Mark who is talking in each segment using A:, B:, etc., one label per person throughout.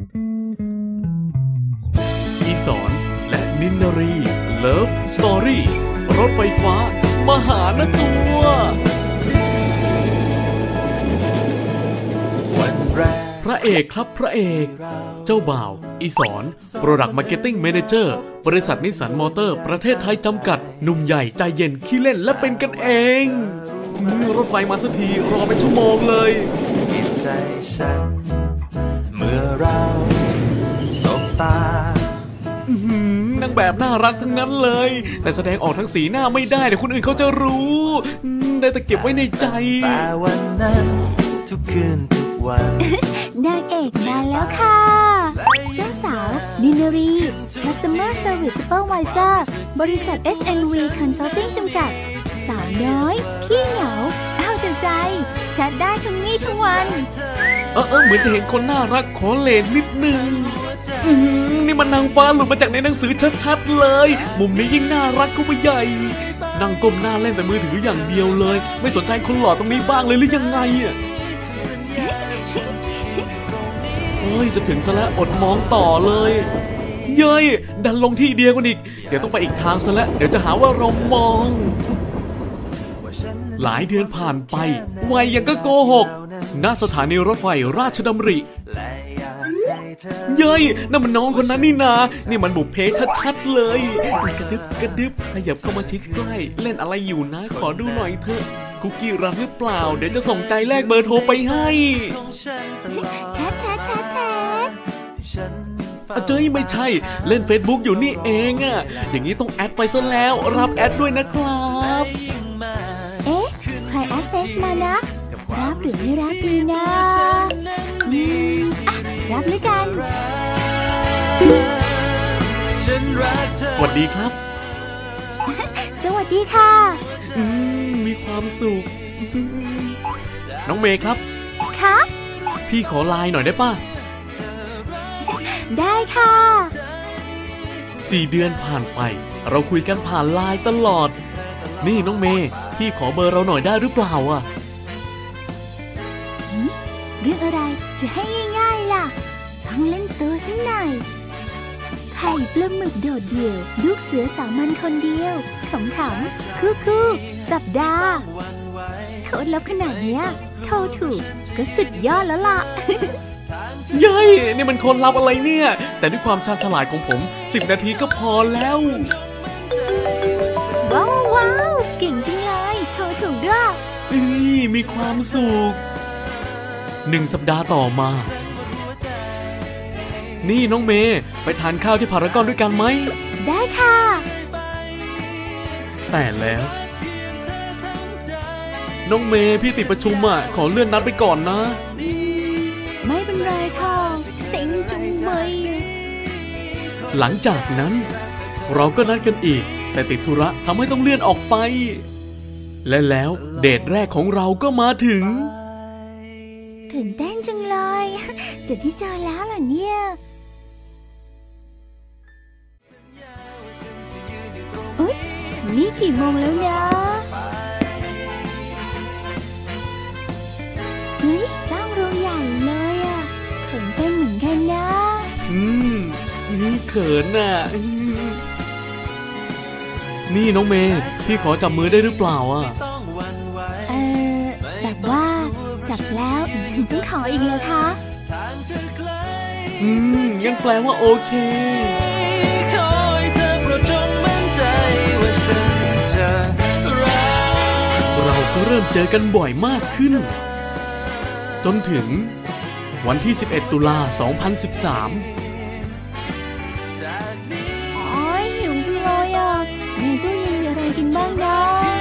A: อีสอนและนินนารีเลิฟสตอรี่รถไฟฟ้ามหานตัวพระเอกครับพระเอกเจ้าบ่าวอีสอน Product Marketing Manager บริษัทนิสสันมอเตอร์ประเทศไทยจำกัดหนุ่มใหญ่ใจเย็นขี้เล่นและเป็นกันเองรถไฟมาสักทีรอเป็นชั่วโมงเลยใจฉันเมื่อเราสบตานางแบบน่ารักทั้งนั้นเลยแต่แสดงออกทั้งสีหน้าไม่ได้เดี๋ยวคนอื่นเขาจะรู้ได้แต่เก็บไว้ในใจแต่วันนั้นทุกคืนทุกวัน
B: นางเอกมาแล้วค่ะเจ้าสาวนินารี Customer Service Supervisor บริษัท SNV Consulting จำกัดสาวน้อยขี้เหงาเอาแต่ใจแชทได้ทั้งวี่ทั้งวัน
A: เหมือนจะเห็นคนน่ารักขอเลนนิดนึงนี่มันนางฟ้าหลุดมาจากในหนังสือชัดๆเลยมุมนี้ยิ่งน่ารักก็ไปใหญ่นั่งก้มหน้าเล่นแต่มือถืออย่างเดียวเลยไม่สนใจคนหล่อตรงนี้บ้างเลยหรือยังไงจะถึงซะแล้วอดมองต่อเลยเย้ยดันลงที่เดียวกันอีกเดี๋ยวต้องไปอีกทางซะแล้วเดี๋ยวจะหาว่าเรามองหลายเดือนผ่านไปวัยยังก็โกหกณสถานีรถไฟราชดำริเย้ยนั่นมันน้องคนนั้นนี่นานี่มันบุพเพชัดๆเลยกระดึบกระดึบขยับเข้ามาชิดใกล้เล่นอะไรอยู่นะขอดูหน่อยเถอะคุกกี้รับหรือเปล่าเดี๋ยวจะส่งใจแลกเบอร์โทรไปให้
B: แชท
A: เจ้ยไม่ใช่เล่น Facebook อยู่นี่เองอะอย่างนี้ต้องแอดไปซะแล้วรับแอดด้วยนะครับ
B: ใครแอดเฟซมานะรับหรือไม่รับดีนะรับเลยกัน
A: สวัสดีครับ
B: สวัสดีค่ะ
A: มีความสุขน้องเมย์ครับ
B: ค่ะ
A: พี่ขอไลน์หน่อยได้ป่ะ
B: ได้ค่ะ
A: 4 เดือนผ่านไปเราคุยกันผ่านไลน์ตลอดนี่น้องเมย์พี่ขอเบอร์เราหน่อยได้หรือเปล่าอ่ะ
B: เรื่องอะไรจะให้ง่ายๆล่ะต้องเล่นตัวสักหน่อยไข่ปลาหมึกโดดเดี่ยวลูกเสือสามัญคนเดียวขำๆคู่สัปดาห์โคตรลับขนาดเนี้ยโทรถูกก็สุดยอดแล้วล่ะ
A: เย้ยนี่มันคนลับอะไรเนี่ยแต่ด้วยความชาญฉลาดของผม10 นาทีก็พอแล้ว
B: ว้าวเก่งจังเลยโทรถูกด้วย
A: มีความสุข1 สัปดาห์ต่อมานี่น้องเมย์ไปทานข้าวที่พารากอนด้วยกันไหม
B: ได้ค่ะ
A: แต่แล้วน้องเมย์พี่ติดประชุมขอเลื่อนนัดไปก่อนนะ
B: ไม่เป็นไรค่ะเซ็งจุงเมย
A: หลังจากนั้นเราก็นัดกันอีกแต่ติดธุระทำให้ต้องเลื่อนออกไปและแล้วเดทแรกของเราก็มาถึง
B: ตื่นเต้นจังเลยจะได้เจอแล้วเหรอเนี่ยนี่กี่โมงแล้วนะจ้างเราใหญ่เลยเขินเป็นเหมือนกันนะ
A: เขินนี่น้องเมย์พี่ขอจับมือได้หรือเปล่า
B: แบบว่าจับแล้วต้องขออีกเลยคะ
A: งั้นแปลว่าโอเคเราก็เริ่มเจอกันบ่อยมากขึ้นจนถึงวันที่11 ตุลา 2013
B: หิวจังเลยในตู้เย็นมีอะไรกินบ้างนะ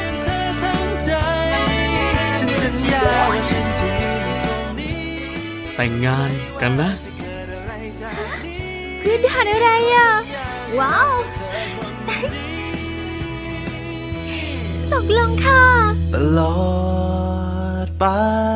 A: แต่งงานกันนะ
B: คือด่านอะไรว้าวตกลงค่ะ
A: ตลอดไป